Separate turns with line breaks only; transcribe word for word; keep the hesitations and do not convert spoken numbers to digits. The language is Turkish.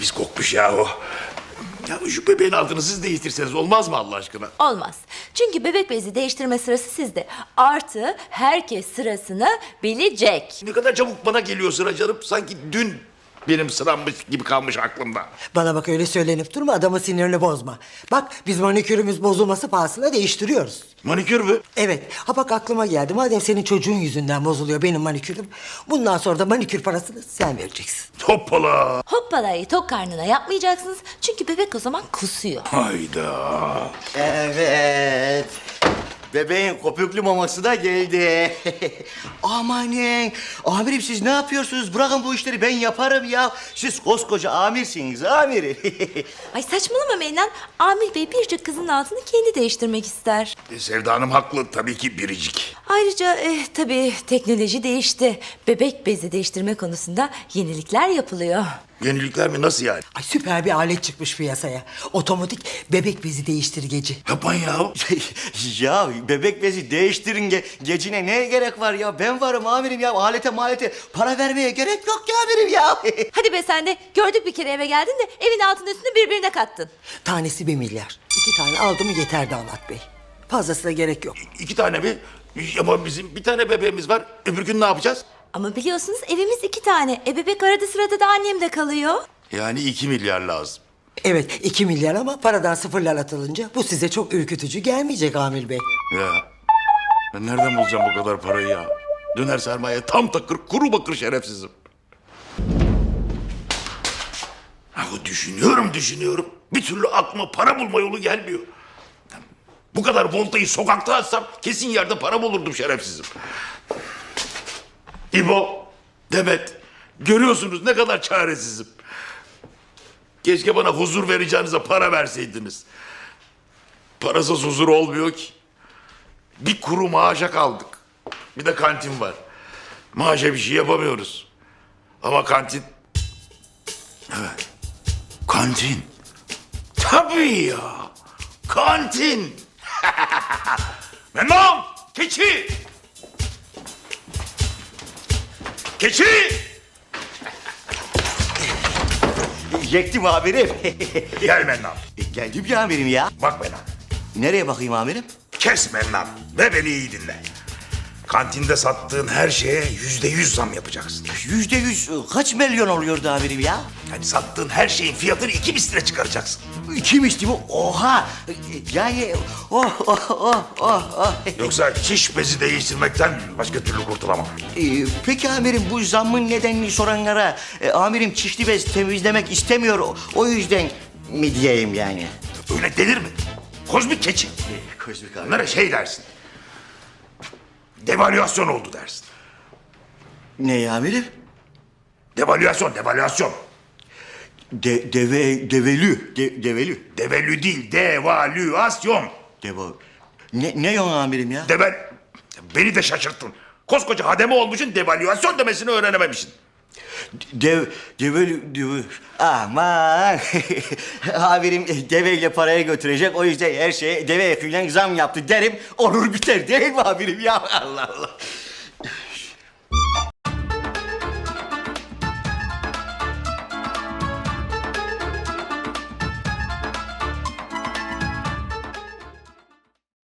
pis kokmuş ya o. Ya şu bebeğin altını siz değiştirseniz olmaz mı Allah aşkına?
Olmaz. Çünkü bebek bezi değiştirme sırası sizde. Artı herkes sırasını bilecek.
Ne kadar çabuk bana geliyor sıra canım. Sanki dün benim sırammış gibi kalmış aklımda.
Bana bak, öyle söylenip durma, adamın sinirini bozma. Bak, biz manikürümüz bozulması pahasına değiştiriyoruz.
Manikür mü?
Evet, ha bak aklıma geldi. Madem senin çocuğun yüzünden bozuluyor benim manikürüm, bundan sonra da manikür parasını sen vereceksin.
Hoppala.
Hoppalayı tok karnına yapmayacaksınız. Çünkü bebek o zaman kusuyor.
Hayda.
Evet. Bebeğin köpüklü maması da geldi. Amanın. Amirim siz ne yapıyorsunuz? Bırakın bu işleri, ben yaparım ya. Siz koskoca amirsiniz amir.
Ay saçmalama Mennan. Amir Bey biricik kızın altını kendi değiştirmek ister.
E, Sevda Hanım haklı tabii ki biricik.
Ayrıca eh, tabii teknoloji değişti. Bebek bezi değiştirme konusunda yenilikler yapılıyor.
Yenilikler mi, nasıl yani?
Ay, süper bir alet çıkmış piyasaya. Otomatik bebek bezi değiştirgeci.
Yapman ya.
Ya bebek bezi değiştirin ge gecine neye gerek var ya? Ben varım amirim ya. Alete malete para vermeye gerek yok ya amirim ya.
Hadi be sen de gördük bir kere eve geldin de evin altını üstünü birbirine kattın.
Tanesi bir milyar. İki tane aldı mı yeter damat bey. Fazlasına gerek yok.
İki tane mi? Ama bizim bir tane bebeğimiz var. Öbür gün ne yapacağız?
Ama biliyorsunuz evimiz iki tane. E bebek arada sırada da annem de kalıyor.
Yani iki milyar lazım.
Evet, iki milyar ama paradan sıfırlar atılınca bu size çok ürkütücü gelmeyecek Amil Bey.
Ya ben nereden bulacağım bu kadar parayı ya? Döner sermaye tam takır, kuru bakır şerefsizim. Ha, düşünüyorum düşünüyorum. Bir türlü aklıma para bulma yolu gelmiyor. Bu kadar voltayı sokakta atsam kesin yerde para bulurdum şerefsizim. İbo, Demet, görüyorsunuz ne kadar çaresizim. Keşke bana huzur vereceğinize para verseydiniz. Parasız huzur olmuyor ki. Bir kuru maaşa kaldık. Bir de kantin var. Maaşa bir şey yapamıyoruz. Ama kantin... Evet. Kantin. Tabii ya. Kantin. Memnun. Keçi. Keçi.
Yektim amirim.
Gel Mennan.
Geldim ya amirim ya.
Bak Mennan.
Nereye bakayım amirim?
Kes Mennan ve beni iyi dinle. Kantinde sattığın her şeye yüzde yüz zam yapacaksın.
Yüzde yüz kaç milyon oluyordu amirim ya?
Yani sattığın her şeyin fiyatını iki misline çıkaracaksın.
Kimmiş değil mi? Oha! Yani oh oh oh oh oh.
Yoksa çiş bezi değiştirmekten başka türlü kurtulamam.
Ee, peki amirim bu zammın nedenini soranlara e, amirim çişli bez temizlemek istemiyor o, o yüzden mi diyeyim yani?
Öyle denir mi? Kozmik keçi.
Kozmik abi.
Onlara şey dersin. Devalüasyon oldu dersin.
Ne amirim?
Devalüasyon, devalüasyon.
De, deve, develü, de, develü.
Devalü değil, devalüasyon.
Deva. Ne, ne yon amirim ya?
Deval... Beni de şaşırttın. Koskoca hademe olmuşsun, devalüasyon demesini öğrenememişsin.
Dev, develü, deve. Aman. Amirim deveyle paraya götürecek, o yüzden her şeye deve yakıyla zam yaptı derim. Olur biter değil mi amirim ya? Allah Allah.